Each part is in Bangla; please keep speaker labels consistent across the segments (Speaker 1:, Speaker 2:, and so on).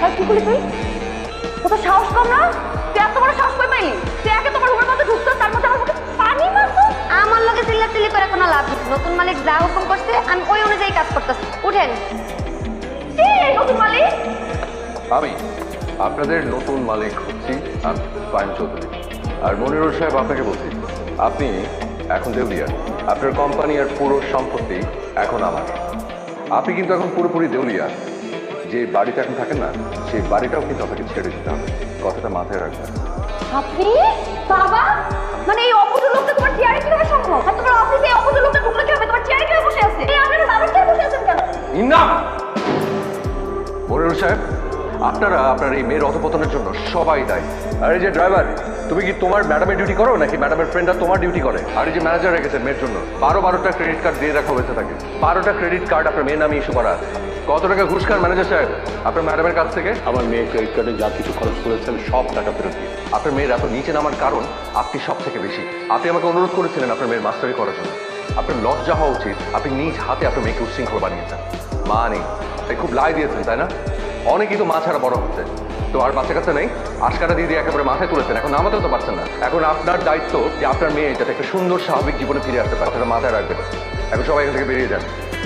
Speaker 1: কি করলি তুই? ও তো সাহস কম না? তুই এত বড় সাহস কই পাইলি? তুই একে তোমার রুমের মধ্যে ঢুকতো, তার মধ্যে আমার মুখে পানি মারতো।
Speaker 2: আমার লগে চিল্লাচিল্লি করে কোনো লাভ নেই। নতুন মালিক যা হুকুম করছে আমি ওই অনুযায়ী কাজ করতেছি। উঠেন।
Speaker 1: কে এই নতুন মালিক?
Speaker 3: আমি আপনাদের নতুন মালিক হচ্ছি আমি ফাহিম চৌধুরী। আর মনিরুল সাহেব আপনাকে বলছি, আপনি এখন দেউলিয়া। আপনার কোম্পানি আর পুরো সম্পত্তি এখন আমার। আপনি কিন্তু এখন পুরোপুরি দেউলিয়া। যে বাড়িতে এখন থাকেন না, সেই বাড়িটাও কিন্তু আপনাকে ছেড়ে দিতে হবে। কথাটা মাথায় রাখবেন।
Speaker 1: আপনি? বাবা, মানে এই অপূর্ব লোকটা তোমার চেয়ারে কিভাবে সম্ভব? আর তোমার অফিসে এই অপূর্ব লোকটা ঢুকলো কিভাবে? তোমার চেয়ারে কিভাবে বসে আছে? এই আপনারা বাবার চেয়ারে বসে আছেন কেন?
Speaker 3: না মনিরুল সাহেব, আপনারা আপনার এই মেয়ের অধপতনের জন্য সবাই দায়ী। আর এই যে ড্রাইভার, তুমি কি তোমার ম্যাডামের ডিউটি করো নাকি ম্যাডামের ফ্রেন্ডরা তোমার ডিউটি করে? আর এই যে ম্যানেজার রেখেছেন মেয়ের জন্য 12টা ক্রেডিট কার্ড দিয়ে রাখা হয়েছে তাকে। 12টা ক্রেডিট কার্ড আপনার মেয়ের নামে ইস্যু করা আছে। কত টাকা ঘুষ খান ম্যানেজার সাহেব আপনার ম্যাডামের কাছ থেকে?
Speaker 4: আমার মেয়ে ক্রেডিট কার্ডে যা কিছু খরচ করেছেন সব টাকা ফেরত দিয়ে।
Speaker 3: আপনার মেয়ের এত নিচে নামার কারণ আপনি সব থেকে বেশি। আপনি আমাকে অনুরোধ করেছিলেন আপনার মেয়ের মাস্টারি করার জন্য। আপনার লজ্জা হওয়া উচিত, আপনি নিজ হাতে আপনার মেয়েকে উচ্ছৃঙ্খল বানিয়েছেন। মা নেই, তাই খুব লাই দিয়েছেন, তাই না? অনেকেই তো মা ছাড়া বড় হচ্ছে, তো আর বাচ্চা কাছে নেই, আশকাটা দিয়ে দিয়ে একেবারে মাথায় তুলেছেন। এখন নামাতেও তো পারছেন না। এখন আপনার দায়িত্ব যে আপনার মেয়ে যাতে একটা সুন্দর স্বাভাবিক জীবনে ফিরে আসতে পারে, সেটা মাথায় রাখবেন। এখন সবাই এখান থেকে বেরিয়ে যান।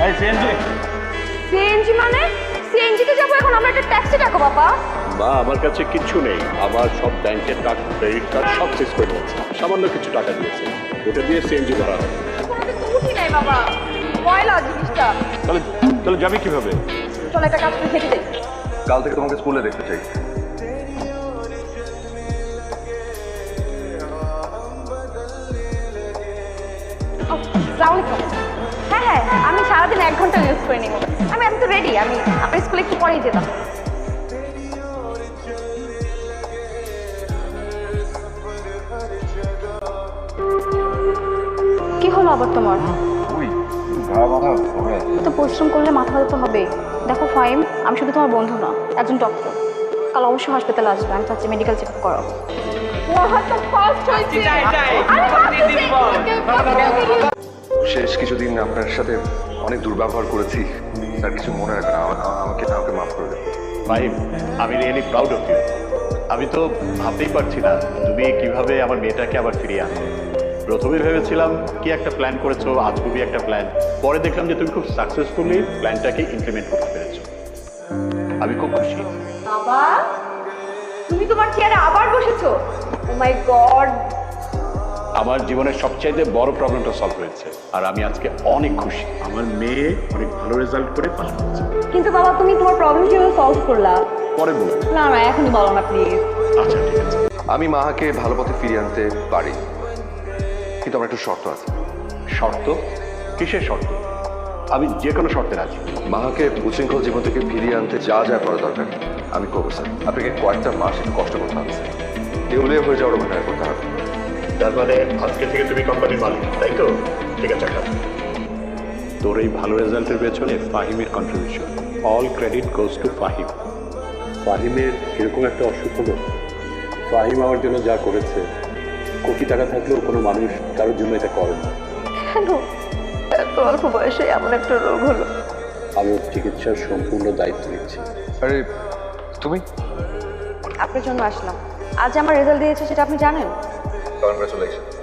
Speaker 1: সিএনজি মানে? সিএনজিতে যাবো এখন? আমরা একটা ট্যাক্সি ডাকো বাবা।
Speaker 4: মা, আমার কাছে কিচ্ছু নেই। আমার সব ব্যাংকের টাকা, ক্রেডিট কার্ড সব শেষ করে দিয়েছে। সামান্য কিছু টাকা দিয়েছে, ওটা দিয়ে সিএনজি ভরা হবে।
Speaker 1: কোনোদিন তো উঠি নাই বাবা, ময়লা জিনিসটা।
Speaker 4: তাহলে তাহলে যাবি কিভাবে?
Speaker 1: চল একটা কাজ করে থেকে যাই।
Speaker 3: কাল থেকে তোমাকে স্কুলে দেখতে চাই।
Speaker 1: হ্যাঁ হ্যাঁ, আমি সারাদিন 1 ঘন্টা ইউজ করে নিব। আমি তো রেডি। আমি আপনার স্কুলে একটু পরেই যেতাম। কি হলো আবার তোমার? তো পরিশ্রম করলে মাথা ব্যথা তো হবেই। দেখো ফাহিম, আমি শুধু তোমার বন্ধু না, একজন ডক্টর। কাল অবশ্যই হাসপাতালে আসবে। আমি চাচ্ছি মেডিকেল চেক আপ করাবো।
Speaker 3: শেষ কিছুদিন আপনার সাথে অনেক দুর্ব্যবহার করেছি, তার কিছু মনে রাখবেন। আমাকে আমাকে মাফ করে দেবেন।
Speaker 4: ভাই, আমি রিয়েলি প্রাউড অফ ইউ। আমি তো ভাবতেই পারছি না তুমি কিভাবে আমার মেয়েটাকে আবার ফিরিয়ে আনবে। প্রথমে ভেবেছিলাম কি একটা প্ল্যান করেছো, আজগুবি একটা প্ল্যান। পরে দেখলাম যে তুমি খুব সাকসেসফুলি প্ল্যানটাকে ইমপ্লিমেন্ট করতে পেরেছো। আমি খুব খুশি।
Speaker 1: বাবা, তুমি তোমার চেয়ারে আবার বসেছো? ও মাই গড!
Speaker 4: আমার জীবনের সবচাইতে বড় প্রবলেমটা সলভ হয়েছে, আর আমি আজকে অনেক খুশি। আমার মেয়ে অনেক ভালো রেজাল্ট করে পাস করেছে।
Speaker 1: কিন্তু বাবা, তুমি তোমার প্রবলেম কিভাবে সলভ করলা?
Speaker 4: পরে বলবো।
Speaker 1: না না, এখনই বলো না প্লিজ।
Speaker 4: আচ্ছা, ঠিক আছে।
Speaker 3: আমি মাহাকে ভালো পথে ফিরিয়ে আনতে পারি, কিন্তু আমার একটু শর্ত আছে।
Speaker 4: শর্ত? কিসের শর্ত? আমি যে কোনো শর্তে রাজি।
Speaker 3: মাহাকে উচ্ছৃঙ্খল জীবন থেকে ফিরিয়ে আনতে যা যা করা দরকার আমি করবো স্যার। আপনাকে কয়েকটা মাস একটু কষ্ট করতে হবে স্যার। দেউলিয়া হয়ে যাওয়ার অভিনয় করতে হবে।
Speaker 4: তার মানে আজকে থেকে তুমি কোম্পানির মালিক, তাই তো? ঠিক আছে, তোর এই ভালো রেজাল্টের পেছনে ফাহিমের contribution. All credit goes to Fahim. ফাহিমের এরকম একটা অসুখ হলো। ফাহিম আমার জন্য যা করেছে, কোটি টাকা থাকলেও কোনো মানুষ কারোর জন্য এটা করে না।
Speaker 1: কেন এত অল্প বয়সে এমন একটা রোগ হলো?
Speaker 4: আমি ওর চিকিৎসার সম্পূর্ণ দায়িত্ব নিচ্ছি।
Speaker 3: আরে তুমি?
Speaker 1: আপনার জন্য আসলাম। আজ আমার রেজাল্ট দিয়েছে, সেটা আপনি জানেন?
Speaker 3: কনগ্রাচুলেশন।